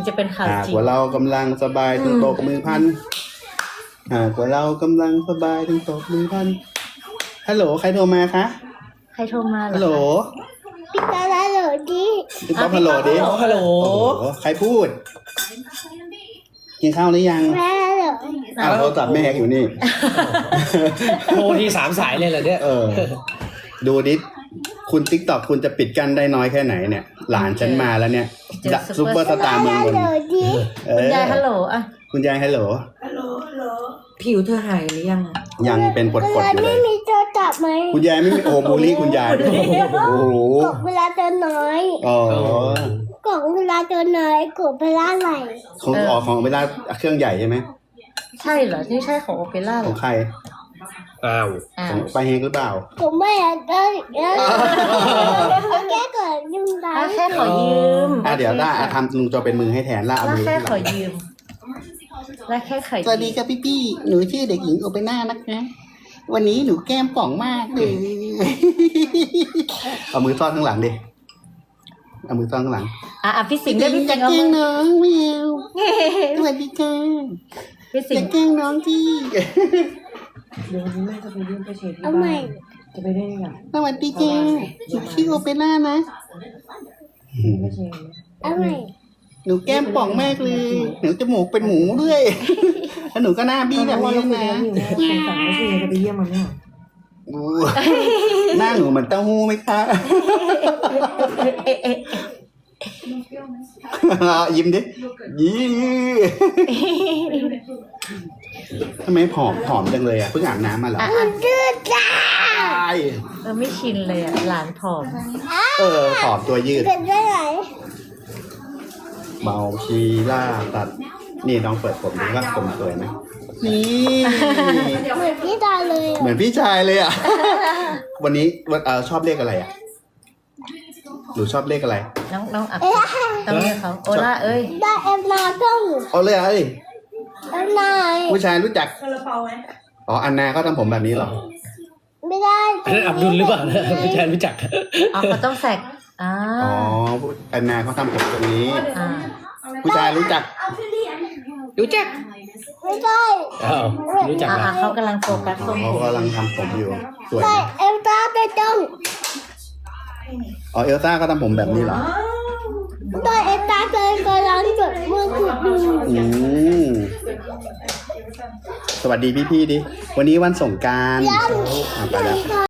จะเป็นข่าวจริงว่าเรากำลังสบายถึงตบมือพันกว่าเรากำลังสบายถึงตบมือพันฮัลโหลใครโทรมาคะใครโทรมาเหรอฮัลโหลพี่ตาฮัลโหลดิพี่ป๊อปฮัลโหลดิฮัลโหลโอ้โหใครพูดกินข้าวหรือยังแม่ฮัลโหลอ้าวโทรศัพท์แม่อยู่นี่โทรที3 สายเลยเหรอเนี่ยดูดิคุณติ๊กต็อกคุณจะปิดกั้นได้น้อยแค่ไหนเนี่ย หลานฉันมาแล้วเนี่ยซุปเปอร์สตาร์เมืองฮับลนโหลดิคุณยายฮัลโหลอ่ะคุณยายฮัลโหลผิวเธอหายหรือยังยังเป็นปเวดลาๆอยู่เลไม่ยมีโทรศัพท์ไหมคุณยายไม่มีโอบูลลี่คุณยายด้วยโอ้โหกดเวลาเจอน้อยอ๋อกดเวลาเจอน้อยกดเวลาไหลของเวลาเครื่องใหญ่ใช่ไหมใช่เหรอนี่ใช่ของโอเปร่าเหรขอองใครอ้าวอ้าขวองไปเฮงหรือเปล่าผมไม่อยากได้แก้เกิดยุ่งได้แค่ขอยืมเดี๋ยวถ้าทำลุงจอเป็นมือให้แทนล่าเอาแล้วมือแค่ที่หขลัอง ยืมแล้วแค่ขอยืมสวัสดีครับพี่หนูชื่อเด็กหญิงโอเปน่านะคะวันนี้หนูแก้มป่องมากเลยเอามือซ่อนข้างหลังดิเอามือซ่อนข้างหลังพี่สิงห์ด้วยพี่สิงห์เอาแกล้งมือน้องแมวสวัสดีค่ะพี่สิอง ย่าห์แกล้งน้องที่เดี๋ยววันนี้แม่จะไปเยี่ยมป้าเชนที่เอาบ้าใหม่นจะไปได้ยังสวัสดีจ้าหนูชื่อโอเปน่านะป้าเชนเอาใหม่หนูแก้มป่องมากเลยหนูจมูกเป็นหมูด้วยแล้วหนูก็หน้าบี้แบบว่านี้เราคุยนะกันอยู่แม่เป็นสั่งป้าเชนจะไปเยี่ยมมันเนี่ยหน้าหนูเหมือนเต้าหู้ไหมคะ ยิ้มดิยิ้มทำไมผอมจังเลยอ่ะเพิ่งอาบน้ำมาเหรอดื้อจ้าไม่ชินเลยหลานผอมผอมตัวยืดเกิดได้ไหนเมาชีล่าตัด นี่น้องเปิดผมดูว่าผมสวยไหมนี่เหมือนพี่ตาเลยเหมือนพี่ชายเลยอ่ะ วันนี้ชอบเลขอะไรอ่ะหนูชอบเลขอะไรน้องอักต้องเรียกเขาโอล่าเอ้ยได้เอ็มนาต้องเอาเลยเอ้ยเอ็มนาผู้ชายรู้จักอ๋ออันนาเขาทำผมแบบนี้เหรอไม่ได้อันนั้นอับดุลหรือเปล่านะไม่ใช่รู้จักเขาต้องแสกอ๋ออันนาเขาทำผมแบบนี้ ผู้ชายรู้จักรู้จักไม่ได้อ้าวรู้จักนะเขากำลังโฟกัสตรงเขากำลังทำผมอยู่ สวยได้นะเอ็มตาได้ต้องอ๋อเอลซ่าก็ทำผมแบบนี้เหรอได้เอ็มตาเลยกำลังจดมือขุดดูสวัสดีพี่ๆดิ วันนี้วันสงกรานต์ไปแล้วค่ะ